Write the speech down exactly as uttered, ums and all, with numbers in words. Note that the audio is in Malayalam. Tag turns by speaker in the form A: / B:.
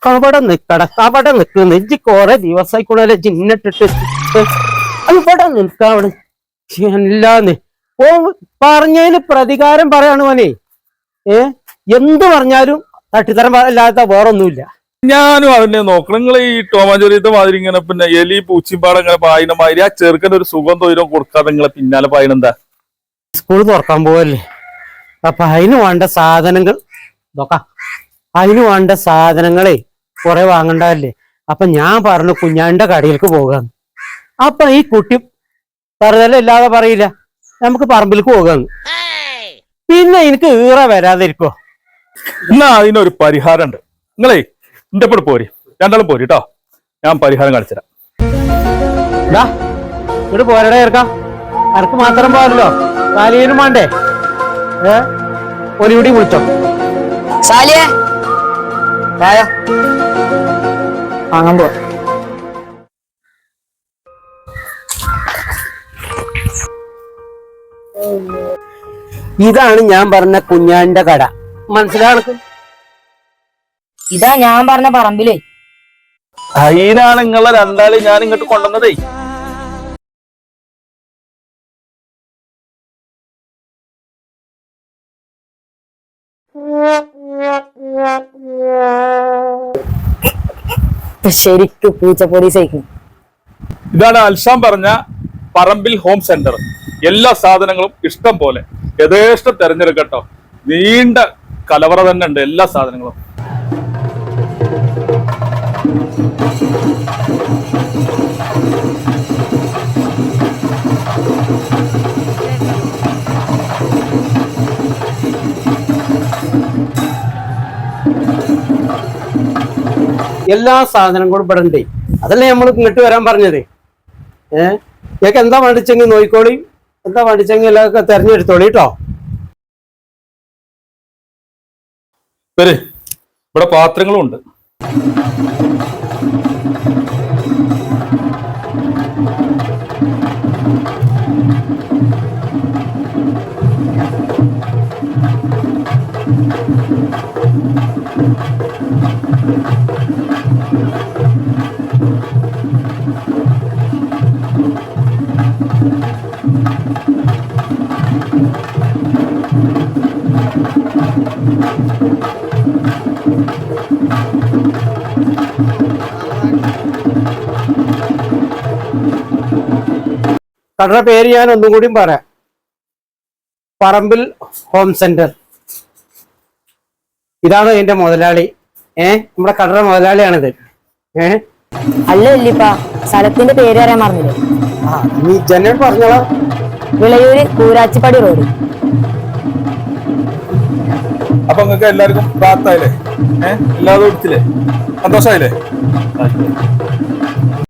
A: അവിടെ നിക്കട അവിടെ നിൽക്കുന്നു ഇജ്ജ് കൊറേ ദിവസമായിക്കൂടെ ചിന്നിട്ടിട്ട് അത് ഇവിടെ നിൽക്കാം അവിടെ എല്ലാന്ന് ഓ പറഞ്ഞതിന് പ്രതികാരം പറയാണ് മോനെ. ഏ എന്ത് പറഞ്ഞാലും തട്ടിത്തരം അല്ലാത്ത വേറൊന്നുമില്ല.
B: ഞാനും അതിനെ നോക്കണം. നിങ്ങൾ ഈ ടോമാഞ്ചോരിയത്തെ മാതിരി ഇങ്ങനെ പിന്നെ എലി പൂച്ചിമ്പാടം ഇങ്ങനെ പായണ മാതിരി ആ ചെറുക്കൻ്റെ ഒരു സുഖം തൊയിലും കൊടുക്കാതെ നിങ്ങളെ പിന്നാലെ പായണെന്താ?
A: സ്കൂൾ തുറക്കാൻ പോവല്ലേ, അപ്പൊ അതിന് വേണ്ട സാധനങ്ങൾ നോക്കാം. അതിന് വേണ്ട സാധനങ്ങളെ കുറെ വാങ്ങണ്ടല്ലേ. അപ്പൊ ഞാൻ പറഞ്ഞു കുഞ്ഞാന്റെ കടയിലേക്ക് പോകാന്ന്. അപ്പൊ ഈ കുട്ടി വെറുതെ ഇല്ലാതെ പറയില്ല, നമുക്ക് പറമ്പിലേക്ക് പോകാന്ന്. പിന്നെ എനിക്ക് ഈറ വരാതിരിക്കോ?
B: എന്നാ അതിനൊരു പരിഹാരം ഉണ്ട്. നിങ്ങളേ എന്റെ കൂടെ പോരി, രണ്ടാളും പോരി കേട്ടോ. ഞാൻ പരിഹാരം കാണിച്ചുതരാം.
A: ഇവിടെ പോരടെ ചേർക്കാം. അനക്ക് മാത്രം പോരല്ലോ, സാലിയനും വേണ്ടേ? ഏ ഒലികൂടി വിളിച്ചോ.
C: സാലിയെ വാങ്ങാൻ പോ.
A: ഇതാണ് ഞാൻ പറഞ്ഞ കുഞ്ഞാന്റെ കട, മനസ്സിലാണ്?
C: ഇതാ ഞാൻ പറഞ്ഞ പറമ്പിലേ.
B: അതിനാണ് നിങ്ങളെ രണ്ടാളി ഞാൻ ഇങ്ങോട്ട് കൊണ്ടുവന്നതേ.
C: ശരിക്കും പൂച്ചപ്പൊടി സഹിക്കും.
B: ഇതാണ് അൽഷാം പറഞ്ഞ പറമ്പിൽ ഹോം സെന്റർ. എല്ലാ സാധനങ്ങളും ഇഷ്ടം പോലെ യഥേഷ്ടം തെരഞ്ഞെടുക്കട്ടോ. നീണ്ട കലവറ തന്നെ ഉണ്ട് എല്ലാ സാധനങ്ങളും.
A: എല്ലാ സാധനങ്ങളും ഇവിടെ ഉണ്ട്. അതല്ലേ നമ്മൾ ഇങ്ങോട്ട് വരാൻ പറഞ്ഞത്. ഏഹ് ഇതൊക്കെ എന്താ വേണ്ടിച്ചെങ്കിൽ നോയിക്കോളി, എന്താ വേണ്ടിച്ചെങ്കിൽ എല്ലാവർക്കും തെരഞ്ഞെടുത്തോളി കേട്ടോ.
B: ഇവിടെ പാത്രങ്ങളും ഉണ്ട്.
A: കടയുടെ പേര് ഞാൻ ഒന്നും കൂടിയും പറയാം, പറമ്പിൽ ഹോം സെന്റർ. ഇതാണ് എന്റെ മുതലാളി. ഏഹ് നമ്മുടെ കടയുടെ മുതലാളിയാണിത്. ഏഹ്
C: അല്ല ഇല്ലിപ്പാ, സ്ഥലത്തിന്റെ പേര് അറിയാൻ പറഞ്ഞില്ലേ?
A: ആ നീ ജനൽ പറഞ്ഞോളാം.
C: വിളയൂര് കൂരാച്ചിപ്പടി റോഡ്.
B: അപ്പൊ നിങ്ങൾക്ക് എല്ലാവർക്കും പ്രാപ്തായില്ലേ? ഏഹ് എല്ലാവരും എടുത്തില്ലേ? സന്തോഷമായില്ലേ?